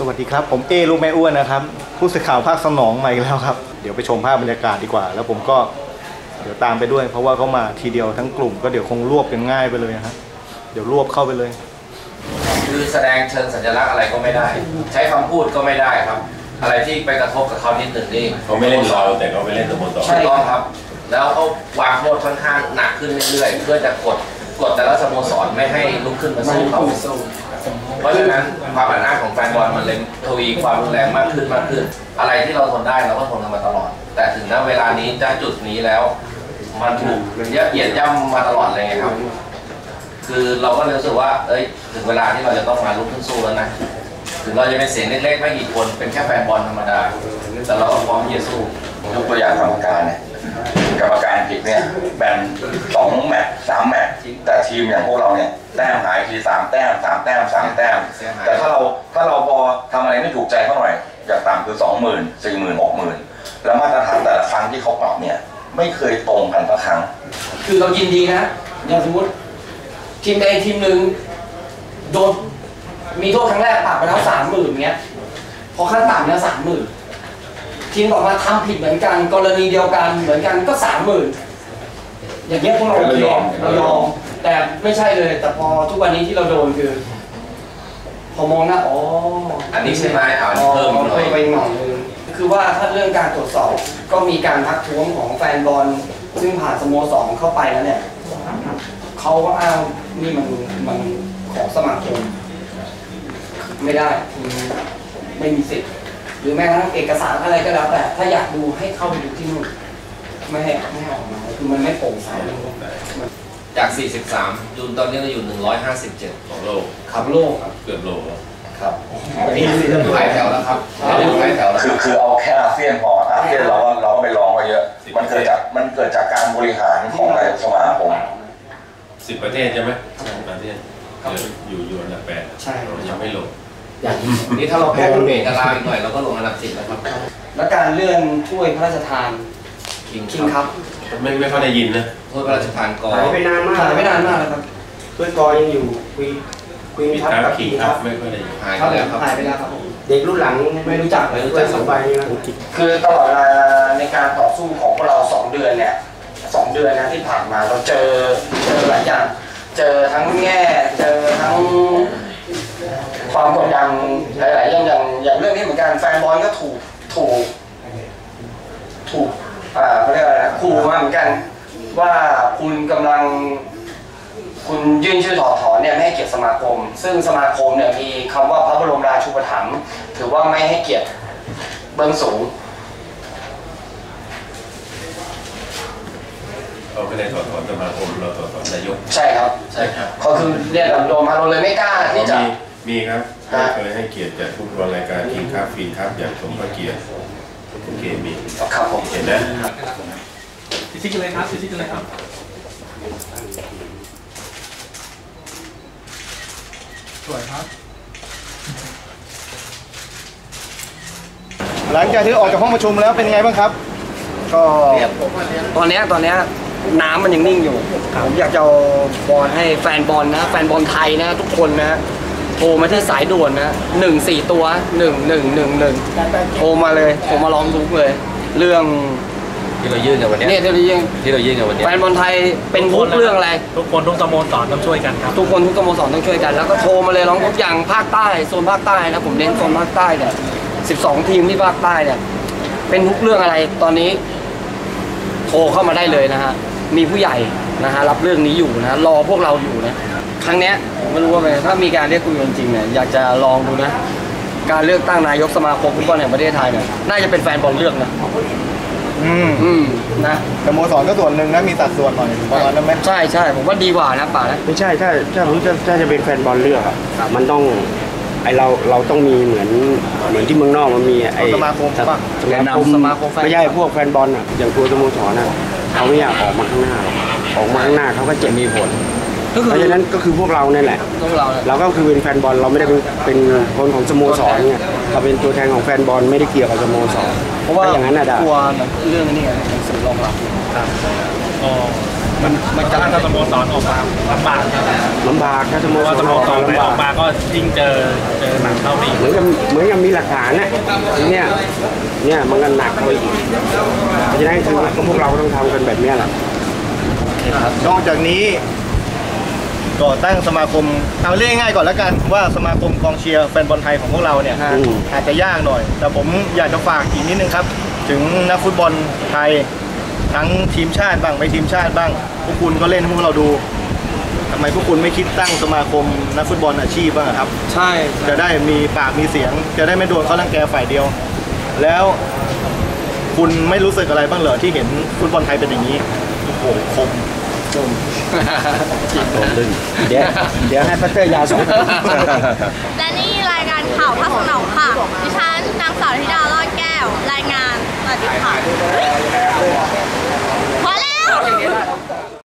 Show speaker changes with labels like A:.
A: สวัสดีครับผมลูกแม่อ้วนนะครับผู้สื่อข่าวภาคสนองใหม่แล้วครับเดี๋ยวไปชมภาพบรรยากาศดีกว่าแล้วผมก็เดี๋ยวตามไปด้วยเพราะว่าเขามาทีเดียวทั้งกลุ่มก็เดี๋ยวคงรวบกันง่ายไปเลยนะครับเดี๋ยวรวบเข้าไปเลย
B: คือแสดงเชิงสัญลักษณ์อะไรก็ไม่ได้ใช้คำพูดก็ไม่ได้ครับอะไรที่ไปกระทบกับเขานิดหนึ่งนี่
C: เขาไม่เล่นเราแต่เขาไปเล่นสโมสร
B: ใช่ต้องครับแล้วเขาวางโทษค่อนข้างหนักขึ้นเรื่อยๆเพื่อจะกดแต่ละสโมสรไม่ให้ลุกขึ้นมาสู้เขาเพราะฉะนั้นความอัดอั้นของแฟนบอลมันเลยทวีความรุนแรงมากขึ้นอะไรที่เราทนได้เราก็ทนกันมาตลอดแต่ถึงณเวลานี้ณจุดนี้แล้วมันถูกเหยียดย่ำมาตลอดเลยครับคือเราก็รู้สึกว่าถึงเวลาที่เราจะต้องมาลุกขึ้นสู้แล้วนะถึงเราจะเป็นเสียงเล็กๆไม่กี่คนเป็นแค่แฟนบอลธรรมดาแต่เราก็พร้อมที่จะสู้
D: ยกตัวอย่างกรรมการเนี่ยกรรมการผิดเนี่ยแบ่ง2 แมตช์ 3 แมตช์แต่ทีมอย่างพวกเราเนี่ยแต้มหายที3 แต้ม 3 แต้ม 3 แต้มแต่ถ้าเราพอทำอะไรไม่ถูกใจเขาหน่อยอย่างต่ำคือ 20,000 40,000 60,000แล้วมาตรฐานแต่ละครั้งที่เขาปรับเนี่ยไม่เคยตรงกันสักครั้ง
E: คือเรายินดีนะอย่างสมมติทีมใดทีมหนึ่งโดนมีโทษครั้งแรกปรับไปแล้ว30,000เงี้ยพอขั้นต่ำเนี่ย30,000ทีมต่อมาทำผิดเหมือนกันกรณีเดียวกันเหมือนกันก็30,000อย่างเงี้ยพวกเราโอเคเรายอมแต่ไม่ใช่เลยแต่พอทุกวันนี้ที่เราโดนคือพอมองหน้า
B: อันนี้ใช่ไหมเพิ่ม
E: ไปหน่อยนึงคือว่าถ้าเรื่องการตรวจสอบก็มีการทักท้วงของแฟนบอลซึ่งผ่านสโมสรเข้าไปแล้วเนี่ยเขาก็อ้างนี่มันของสมาคมไม่ได้ไม่มีสิทธิ์หรือแม้กระทั่งเอกสารอะไรก็แล้วแต่ถ้าอยากดูให้เข้าไปดูที่นู่นไม่ให้ออกมาคือมันไม่โปร่งใส
B: จาก43ยูนตอนนี้เราอยู่157
C: ของโลก
E: ครับโลก
C: เกือบโลก
B: ครับนี่หลายแถวแล้วครับหลายแถวแล้ว
D: คือเอาแค่อาเซียนพออาเซียนเราก็ไปลองมาเยอะมันเกิดจากการบริหารของนายกสมาคม
C: 10 ประเทศใช่ไหมประเทศอยู่อันดับ8
E: ใช่
C: ยังไม่ลง
B: อย่างนี้ถ้าเราแพ้เบรกกันลาอีกหน่อยเราก็ลงอันดับ10แล้วครับ
E: และการเลื่อนถ้วยพระราชทานคิงครับ
C: ไม่ค่อยได้ยินนะ
B: ถ้วยพระราชทานกอ
E: หายไปนานมากแล้วครับ
A: ถ้วยกอยังอยู่คุยทับกับ
C: คิงครับไม่ค่อยได้ยิน
B: หายไปแล้ว
E: ครับ
A: เด็กรุ่นหลังไม่รู้จัก2 ใบนี้นะ
E: คือตลอดเวลาในการต่อสู้ของพวกเรา2 เดือนเนี่ย2 เดือนนะที่ผ่านมาเราเจอหลายอย่างเจอทั้งแง่เจอทั้งความกดดันหลายๆอย่างเรื่องนี้เหมือนกันแฟนบอลก็ถูกเขาเรียกอะไรนะขู่มาเหมือนกันว่าคุณกำลังคุณยื่นชื่อถอดถอนเนี่ยไม่ให้เกียรติสมาคมซึ่งสมาคมเนี่ยมีคำว่าพระบรมราชูปถัมภ์ถือว่าไม่ให้เกียรติเบื้องสูง
C: เราไม่ได้ถอดถอนสมาคมเราถอดถอนนายก
E: ใช่ครับเขาคือเรียกลำโดมาเราเลยไม่กล้าที่จะ
C: มีครับเคยให้เกียรติจากผู้บริหารรายการคิงครับฟีนครับอย่างสมพระเกียรติโอเคมี
E: ครับผม
C: เห็นนะ
F: ชิคเลยครับชิคเลยครับสวยครับ
A: หลังจากที่ออกจากห้องประชุมแล้วเป็นไงบ้างครับก็
E: ตอนนี้น้ำมันยังนิ่งอยู่ผมอยากจะบอลให้แฟนบอลนะแฟนบอลไทยนะทุกคนนะโทรมาที่สายด่วนนะ14ตัว1111โทรมาเลยโทรมาร้องทุกเลยเรื่อง
B: ที่เรายื่นกันวันนี้
E: ที่เรายื่นกันวันนี้แฟนบอลไทยเป็นทุกเรื่องอะไร
F: ทุกคนทุกสโมสรต้องช่วยกันครับ
E: ทุกคนทุกสโมสรต้องช่วยกันแล้วก็โทรมาเลยร้องทุกอย่างภาคใต้โซนภาคใต้นะผมเน้นโซนภาคใต้เนี่ย12 ทีมที่ภาคใต้เนี่ยเป็นทุกเรื่องอะไรตอนนี้โทรเข้ามาได้เลยนะฮะมีผู้ใหญ่นะฮะรับเรื่องนี้อยู่นะรอพวกเราอยู่นะครั้งนี้ผมไม่รู้ว่าถ้ามีการเรียกคุยจริงๆเนี่ยอยากจะลองดูนะการเลือกตั้งนายกสมาคมฟุตบอลแห่งประเทศไทยเนี่ยน่าจะเป็นแฟนบอลเลือกนะนะ
A: สโมสรก็ส่วนหนึ่งนะมีสัดส่วนหน่อยประมาณนั้นไหม
E: ใช่ผมว่าดีกว่านะป่านะ
G: ไม่ใช่ถ้าจะเป็นแฟนบอลเลือกอ่ะมันต้องเราต้องมีเหมือนที่เมืองนอกมันมี
A: สมาคม
G: ไม่ใช่พวกแฟนบอลอ่ะอย่างตัวสโมสรน่ะเขาไม่อยากออกมาข้างหน้าออกมาข้างหน้าเขาก็เจ็บมีผลเพราะฉะนั้นก็คือพวกเราเนี่ยแหละเราก็คือเป็นแฟนบอลเราไม่ได้เป็นคนของสโมสรเนี่ยเราเป็นตัวแทนของแฟนบอลไม่ได้เกี่ยวกับสโมสร
E: เพราะว่า
G: อย่างนั้นน่ะ
E: กลัวเรื่องนี้ไงสื่อรองรับ
F: มันจะถ้าสโมสรออกมาลำบากครับ
G: ลำบากถ้าสโม
F: เพราะ
G: ส
F: ว่าร สโมสรไหน
G: ลำ
F: อบ
G: า
F: อก กมาก็ยิ่งเจอหนักเข้าไปอีก
G: เหมือนกับมีหลักฐานนะเนี่ยมันก็หนักเข้าไปอีกเพราะฉะนั้นคือพวกเราต้องทำกันแบบนี้แหละ
A: นอกจากนี้ก่อตั้งสมาคมเอาเรียกง่ายๆก่อนแล้วกันว่าสมาคมกองเชียร์แฟนบอลไทยของพวกเราเนี่ยอาจจะยากหน่อย แต่ผมอยากจะฝากอีกนิดนึงครับ ถึงนักฟุตบอลไทยทั้งทีมชาติบ้างไม่ทีมชาติบ้างพวกคุณก็เล่นให้พวกเราดูทำไมพวกคุณไม่คิดตั้งสมาคมนักฟุตบอลอาชีพบ้างครับ
E: ใช่
A: จะได้มีปากมีเสียง จะได้ไม่โดนเขารังแกฝ่ายเดียว แล้วคุณไม่รู้สึกอะไรบ้างเหรอที่เห็นฟุตบอลไทยเป็นอย่างนี้โอ้โหคม
G: เดี๋ยวให้พัตเตอร์ยาสอง
H: และนี่รายการข่าวภาคสนองค่ะ ดิฉันนางสาวธิดารอดแก้ว รายงานสวัสดีค่ะพอแล้ว